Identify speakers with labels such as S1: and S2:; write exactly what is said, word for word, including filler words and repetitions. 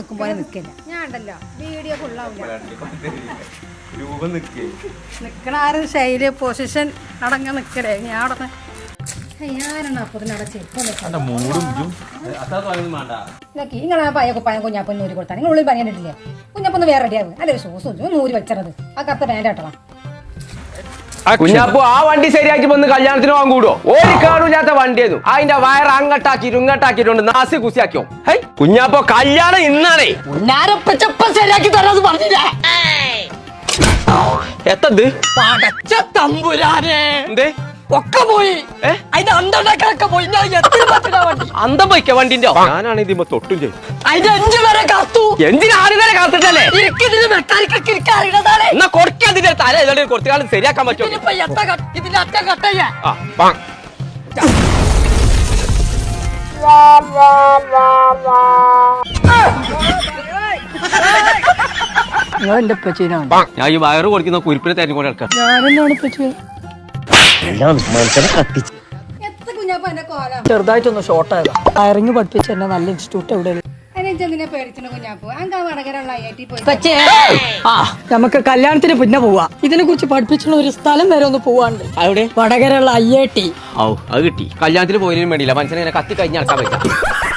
S1: നിൽക്കുമ്പോൾ നിൽക്കില്ല. ഞാൻ ഉണ്ടല്ലോ വീഡിയോ ഫുള്ളാവില്ല. നിൽക്കണ ആരും ശൈലി പൊസിഷൻ അടങ്ങ നിൽക്കലേ. ഞാൻ അവിടെ ഞാനാണ് അപ്പൊ അവിടെ നിങ്ങളാ പയ്യ കുപ്പായം കുഞ്ഞാപ്പൊന്ന് നൂരി കൊടുത്താൽ നിങ്ങൾ ഉള്ളിൽ പനിയിട്ടില്ലേ? കുഞ്ഞാപ്പൊന്ന് വേറെ റെഡിയാവും. അല്ലെ സൂസു നൂരി വെച്ചത് ആ കറുത്ത പാൻ്റ് ആട്ടണം.
S2: കുഞ്ഞാപ്പു ആ വണ്ടി ശരിയാക്കി വന്ന് കല്യാണത്തിന് പോകാൻ കൂടുവോ? ഒരു കാണൂല്ലാത്ത വണ്ടിയായിരുന്നു. അതിന്റെ വയർ അങ്ങട്ടാക്കിട്ട് ഇങ്ങട്ടാക്കിട്ടുണ്ട് നാസി കുസിയാക്കിയോ. ഹൈ കുഞ്ഞാപ്പോ കല്യാണം ഇന്നാണേ.
S3: ശരിയാക്കി തരാന്ന് പറഞ്ഞില്ലേ?
S2: എത്തത്
S3: പടച്ച തമ്പുരാനെ
S2: എന്തേ
S3: ഒക്കെ പോയി. അതിന്റെ അന്തണ്ടൊക്കെ പോയി.
S2: അന്തം പോയിക്ക വണ്ടിന്റെ. ഞാനാണ് ഇതിമ്മ തൊട്ടും ചെയ്യും.
S3: അതിന്റെ അഞ്ചു വരെ കാത്തു.
S2: എന്തിനാണ് വരെ കാത്തിട്ടല്ലേ?
S3: മെക്കാനിക്കൊക്കെ
S2: എന്നാ കൊടുക്കാതിന്റെ തല ഏതാണ്ട് കുറച്ചു കാലം ശരിയാക്കാൻ പറ്റുമോ?
S3: ഇതിന്റെ അറ്റ കട്ടയ്യ എന്റെ പച്ചീനാണ്.
S2: ഞാൻ ഈ വയറ് കൊടുക്കുന്ന കുരിപ്പിനെ തെരഞ്ഞു കൊണ്ട് എടുക്കാം.
S3: ഞാനെന്നാണ് പച്ചു ചെറുതായിട്ടൊന്ന് ഷോർട്ട് ആയതാ. വയറിങ് പഠിപ്പിച്ച എന്നെ നല്ല ഇൻസ്റ്റിറ്റ്യൂട്ട് എവിടെ നമുക്ക് കല്യാണത്തിന് പിന്നെ പോവാ. ഇതിനെ കുറിച്ച് പഠിപ്പിച്ചുള്ള ഒരു സ്ഥലം വരെ ഒന്ന് പോവാണ്ട്.
S2: അവിടെ
S3: വടകരയുള്ള ഐ ഐ ടി.
S2: അത് കിട്ടി. കല്യാണത്തിന് പോയതിനും വേണ്ടിയില്ല മനുഷ്യനെ കത്തി കഴിഞ്ഞ് നടക്കാൻ പറ്റാം.